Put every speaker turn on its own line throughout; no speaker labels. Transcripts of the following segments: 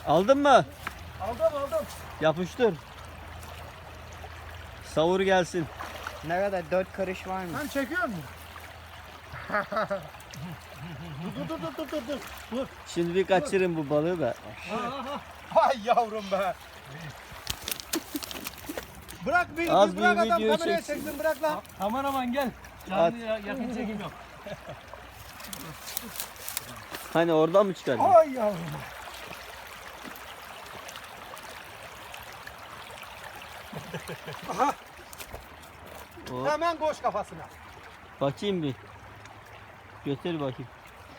Aldın mı?
Aldım.
Yapıştır. Savur gelsin.
Ne kadar 4 karış var mı?
Sen çekiyor musun? Dur.
Şimdi bir kaçırın bu balığı da.
Hay yavrum be. Bırak bir
Az
bırak
bir
adam
video
kameraya
çeksin.
çeksin bırak lan.
Kameraman gel. Canlı yakın çekim yok.
Hani oradan mı çıkardın?
Ay yavrum. Aha,
Hop.
hemen koş kafasına.
Bakayım bir. Götür bakayım.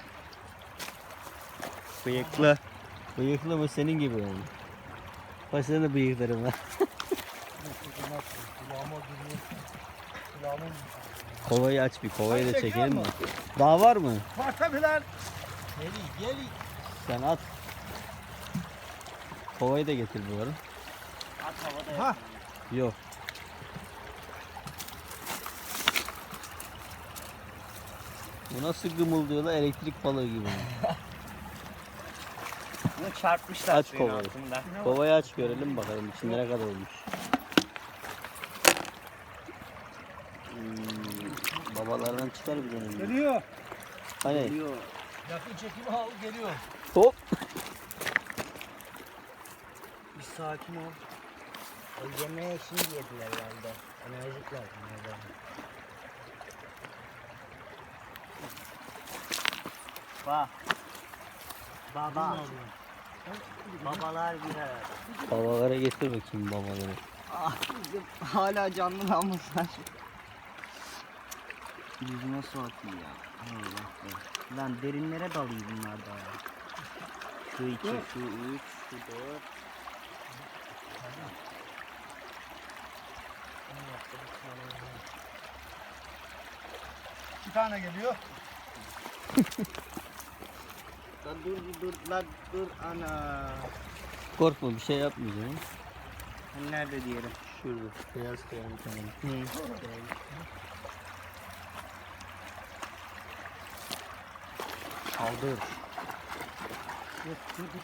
Bıyıklı. Bıyıklı mı senin gibi yani. Bak senin de bıyıkların var. Kovayı aç bir. Kovayı da
Sen çekiyor
çekelim mi?
musun?
Daha var mı?
Var tabi lan.
Gel.
Sen at. Kovayı da getir bu arada.
At havada
Ha.
Yok. Bu nasıl gımıldıyorlar elektrik balığı gibi.
Bunu çarpmışlar
Aç
suyun
kovayı.
altında.
Kovayı aç görelim bakalım içinde ne kadar olmuş. Babalardan çıkar bir tane.
Geliyor.
Hani
Yakın çekimi al geliyor.
hop.
Bir sakin ol. O yemeğe şimdi yediler herhalde. Enerjikler bunlar. Bak. Baba. Babalar bir arada.
Babalara getir bakayım babaları.
Ah, hala canlı lan bunlar. Yüzüme su atıyor ya. Allah Allah. Lan derinlere dalıyor bunlar da ya. Şu 2, şu 3, şu 4.
Bir tane geliyor.
Lan dur lan dur ana.
Korkma bir şey yapmayacağım.
Hani nerede diyelim?
Şurada beyaz kayan bir tane.
Kaldır. Dur.